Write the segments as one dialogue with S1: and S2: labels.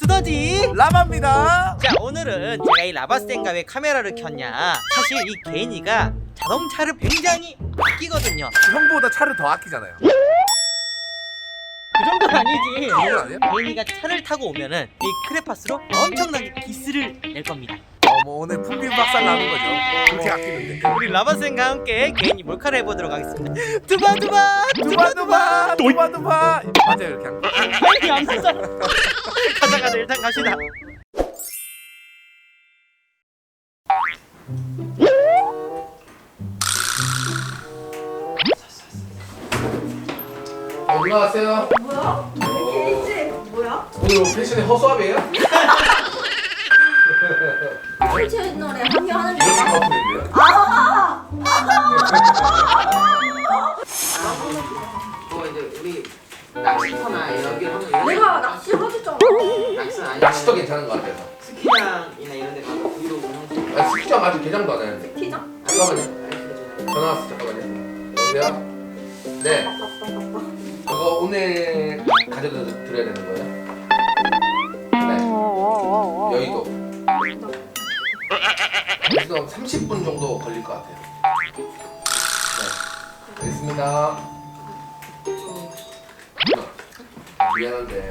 S1: 두더지
S2: 라마입니다.
S1: 자, 오늘은 제가 이 라바스텐가 왜 카메라를 켰냐, 사실 이 개인이가 자동차를 굉장히 아끼거든요.
S2: 형보다 차를 더 아끼잖아요.
S1: 그 정도는 아니지.
S2: 정도는 아니에요?
S1: 개인이가 차를 타고 오면은 이 크레파스로 엄청나게 기스를 낼 겁니다.
S2: 뭐 오늘 풍비 박살 나는 거죠. 그렇게 아끼는데.
S1: 우리 라바스텐과 함께 개인이 몰카를 해보도록 하겠습니다. 두바두바
S2: 두바두바 두바두바 맞아요 이렇게 한 거.
S1: 빨리 안 쓰자. 가자 일단 갑시다.
S2: 올라가세요.
S3: 뭐야? 개인지 뭐야?
S2: 오늘 패션의 허수아비예요?
S3: 새 채널에 합류하는
S2: 이렇게
S3: 거야?
S2: 커플인데요?
S4: 이제 우리 낚시터나 이런 게 하면
S3: 내가 낚시 하겠잖아.
S4: 낚시는 아니고
S2: 낚시도 괜찮은 것 같아요.
S4: 스키장이나 이런 데 가서 브이로그 하고
S2: 스키장 아직 개장도 안 했는데.
S3: 키장?
S2: 잠깐만요. 전화 왔어. 잠깐만요. 여보세요? 네. 그거 오늘 가져다 드려야 되는 거예요? 네. 여의도. 그래서 30분 정도 걸릴 것 같아요. 네. 알겠습니다. 미안한데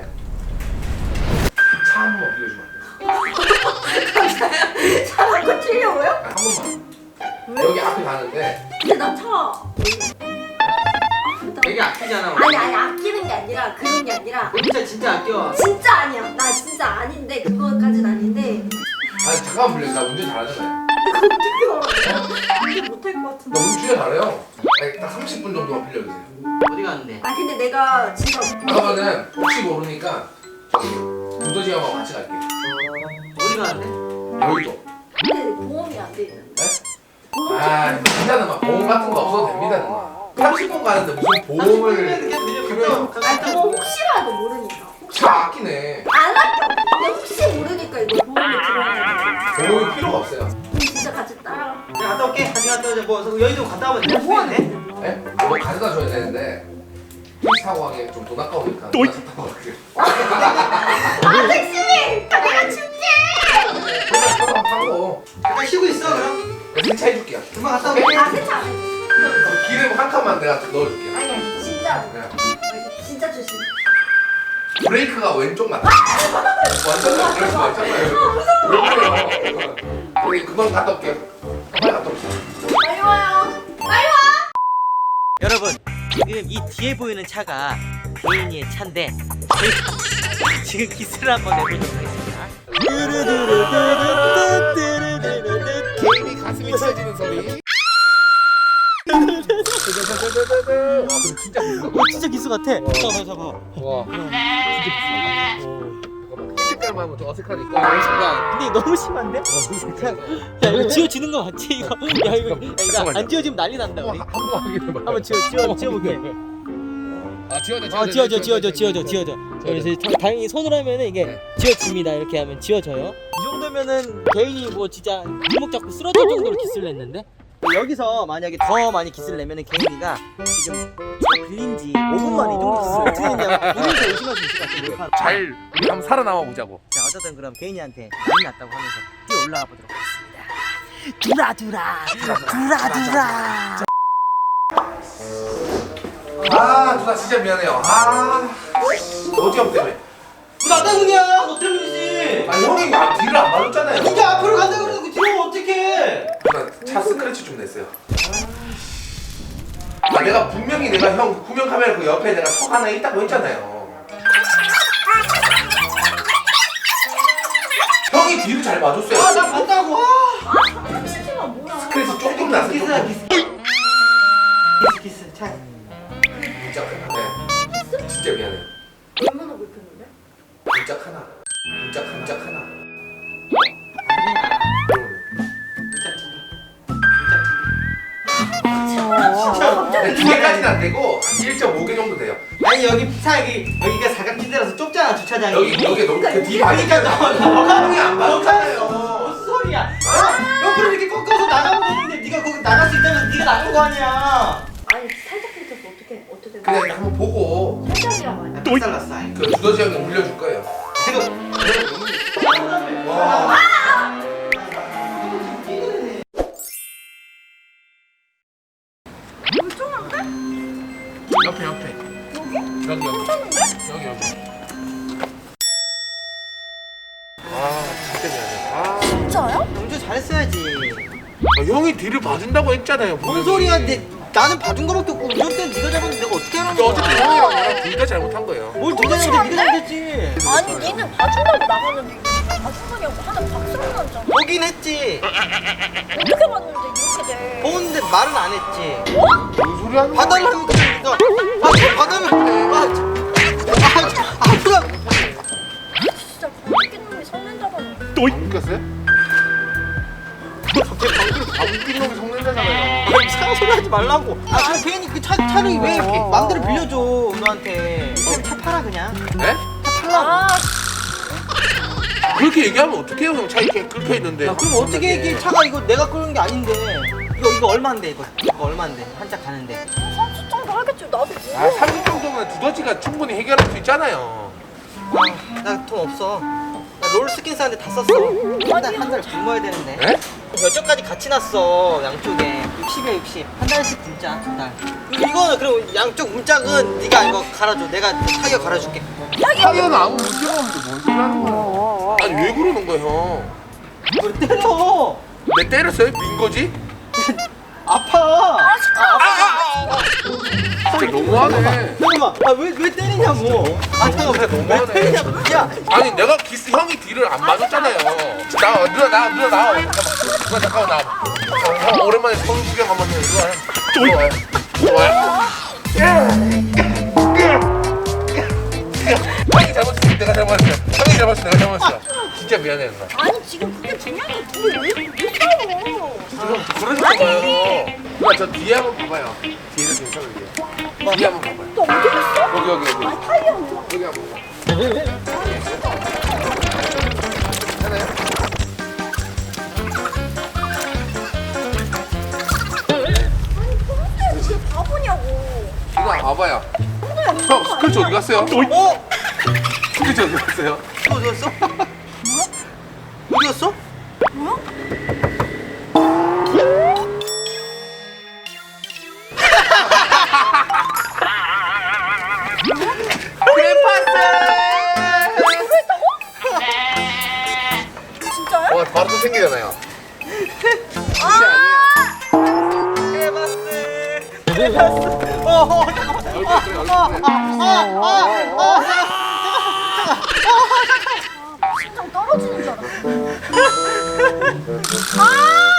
S2: 차 한 번만 빌려주면 안 돼요?
S3: 차를 고치려고요?
S2: 한 번만. 여기 앞에 가는데
S3: 근데 나 차.
S4: 되게 아끼잖아.
S3: 아니 아끼는 게 아니라 그런 게 아니라
S4: 진짜 아껴.
S3: 진짜 아니야. 나 진짜 아닌데 그거까진 아닌데.
S2: 아니 잠깐만 빌려. 나 운전 잘하잖아요.
S3: 어떻게 알아? 이게 못할 것
S2: 나
S3: 같은데.
S2: 운전 잘해요. 아니 딱 30분 정도만 빌려주세요.
S4: 어디 갔는데?
S3: 아 근데 내가 진짜
S2: 그러면은 혹시 모르니까 두더지 형하고 같이 갈게.
S4: 어디 갔는데?
S2: 여의도.
S3: 근데 보험이 안 돼 있는데.
S2: 네? 아 진짜는 막 보험 같은 거 없어도 됩니다. 30분 가는데 무슨 보험을 필요해요?
S3: 아니 그거 혹시라도 모르니까.
S2: 차 아끼네.
S3: 안 아껴. 근데 혹시 모르니까 이거 보험이 들어가야 돼.
S2: 보험이 필요가 없어요.
S3: 그럼 진짜 같이 따라.
S4: 내가 갔다 올게. 같이 갔다 오자. 뭐 여의도 갔다 오면
S3: 뭐
S4: 되는데?
S3: 하는데?
S2: 네? 뭐 가져다 줘야 되는데 택시 타고 가기엔 좀 돈 아까우니까 나 차 타고 갈게요.
S3: 아 택시! 내가 줄게!
S2: 그냥 타고 가면 타고
S4: 잠깐 쉬고 있어 그럼.
S2: 내가 세차해줄게요.
S4: 금방 갔다 올게.
S3: 아 세차 안 해.
S2: 그럼 기름 한 칸만 내가 넣어줄게.
S3: 아니야 진짜
S2: 그냥
S3: 진짜 조심.
S2: 브레이크가 왼쪽 맞다. 완전 브레이크 맞잖아요. 왜 그래요? 우리 금방 갔다 올게요. 빨리 갔다 옵시다.
S3: 빨리 와요. 빨리 와.
S1: 여러분, 지금 이 뒤에 보이는 차가 개인이의 차인데 저희가 지금 기스를 한번 내보도록 하겠습니다.
S2: 개인이 가슴이 찢어지는 소리. 와 근데 진짜 비싸.
S1: 진짜 기스 같아. 잠깐만.
S2: 와 진짜 비싸. 색깔만 하면 좀 어색하니까. 순간.
S1: 근데 이거 너무 심한데? 야 이거 지워지는 거 맞지? 이거 야 이거 안 지워지면 난리 난다 우리.
S2: 한번 확인해봐.
S1: 한번 지워볼게.
S2: 아 지워져.
S1: 지워져. 그래서 당연히 손으로 하면은 이게 지워집니다. 이렇게 하면 지워져요. 이 정도면은 개인이 뭐 진짜 발목 잡고 쓰러질 정도로 기스를 냈는데, 여기서 만약에 더 많이 기스를 내면은 개인이가 지금 차 빌린 지 5분 만에 이 정도 기스를 어떻게 했냐고 본인도 의심할 수 있을 것 같아요.
S2: 잘 우리 한번 살아남아 보자고.
S1: 자, 어쨌든 그럼 개인이한테 많이 났다고 하면서 뛰어 올라가 보도록 하겠습니다. 두라.
S2: 아 누나 진짜 미안해요. 아 어지럽 때문에.
S4: 나 때문이야. 너 때문이지.
S2: 아 형이 뒤를 안 봐줬잖아요.
S4: 네가 앞으로 간다 그러고 뒤로 어떡해?
S2: 누나 차 스크래치 좀 냈어요. 아 내가 분명히 내가 형 후면 카메라 그 옆에 내가 턱 하나 있다고 했잖아요. 형이 뒤를 잘 봐줬어요.
S4: 아 나 봤다고.
S3: 택시가 뭐야?
S2: 스크래치 조금 났어.
S4: 기스야
S2: 조금.
S4: 기스. 차.
S2: 진짜 하나. 네. 진짜 미안해요.
S3: 얼마나 불편한데?
S2: 진짜 하나. 진짜 하나.
S3: 갑자기
S2: 두 개까지는 안 되고 1.5개 정도 돼요.
S4: 아니 여기가 사각지대라서 좁잖아 주차장이.
S2: 여기 너무 그뒤
S4: 그러니까
S2: 봐니까 형이 안
S4: 무슨
S2: 봐줬잖아요.
S4: 소리야? 옆으로 이렇게 꺾어서 나가면 되는데 네가 거기 나갈 수 있다면 네가 나간 거 아니야.
S3: 아니 살짝 긁혀서 어떻게
S2: 그냥 한번 보고
S3: 살짝이란 말이야.
S4: 또 잘랐어.
S2: 그 두더지 형이 물려줄 거예요.
S4: 지금
S2: 옆에 여기. 아 진짜 미안해.
S3: 진짜요?
S4: 영주 잘했어야지.
S2: 형이 뒤를 봐준다고 했잖아요.
S4: 뭔 소리야? 나는 봐준 거밖에 없고 운전대는 네가 잡았는데 내가 어떻게 하라는 거야?
S2: 어쨌든 형이랑 나랑 둘 다 잘못한 거예요.
S4: 뭘 둘다 잘못해? 네가 잘못했지.
S3: 아니 니는 봐준다고 나가는데 이게 봐준 거냐고 하나 박수를 났잖아.
S4: 보긴 했지.
S3: 어떻게 봤는데 이렇게 돼?
S4: 보는데 말은 안 했지.
S2: 뭔 소리 하는 거야?
S4: 봐달라고 그러니까. 받으면. 그럼.
S3: 진짜 웃긴 놈이 성낸다더니.
S2: 안 웃겼어요?
S4: 갑자기 방금
S2: 아 웃긴 놈이 성낸다잖아요.
S4: 이상한 소리 하지 말라고. 그럼 괜히 그 차를 왜 이렇게 맘대로 빌려줘 너한테. 그냥 차 팔아 그냥.
S2: 네?
S4: 차 팔라고.
S3: 아
S2: 그렇게 얘기하면 어떡해요 형. 차 이렇게 긁혀 있는데.
S4: 야, 그럼 어떻게 얘기해? 차가 이거 내가 끌는 게 아닌데. 이거 얼마인데 이거 얼마인데 한짝 가는데.
S3: 30 정도 하겠지. 나도
S2: 아 30 정도면 두더지가 충분히 해결할 수 있잖아요.
S4: 나 돈 없어. 나 롤스킨 사는데 다 썼어. 한 달 굶어야 되는데.
S2: 네?
S4: 몇쪽까지 같이 났어 양쪽에 60이야 60. 한 달씩 굶자 한 달. 이거는 그럼 양쪽 문짝은 네가 이거 갈아줘. 내가 타이어 갈아줄게.
S2: 타이어는 아무 문제가 없는데 뭔 소리 하는 거야? 아니 왜 그러는 거야 형?
S4: 뭘 때려?
S2: 내 때렸어요? 민 거지?
S4: 아파.
S2: 진짜 너무하네.
S4: 잠깐만. 왜 때리냐고. 잠깐만. 왜
S2: 너무하네.
S4: 때리냐고. 야.
S2: 아니 내가 기스 형이 뒤를 안 봐줬잖아요. 누나 나와. 잠깐만 나와. 형 오랜만에 서울 구경 한번 해. 이리 와요. 형이 잘못했어. 내가 잘못했어. 형이 잘못했어. 내가 잘못했어. 진짜 미안해 누나.
S3: 아니 지금 그게 중요한 게 둘이 왜 싸워?
S2: 그러니까 봐요. 누나 저 뒤에 한번 봐봐요. 뒤에는 괜찮은데. 뒤에 한번 봐봐요.
S3: 너 어디 있어?
S2: 여기.
S3: 아 타이어 뭐?
S2: 여기 한번 봐. 하나요?
S3: 아니 그런데 왜 바보냐고.
S2: 누나 봐봐요. 형 스크래치 어디 갔어요?
S4: 어?
S2: 스크래치 어디 갔어요?
S4: 어디 갔어? 어디 갔어?
S3: 뭐야? 진짜요?
S2: 와 바로 또 생기잖아요.
S3: 심장 떨어지는 줄 알았어. 아!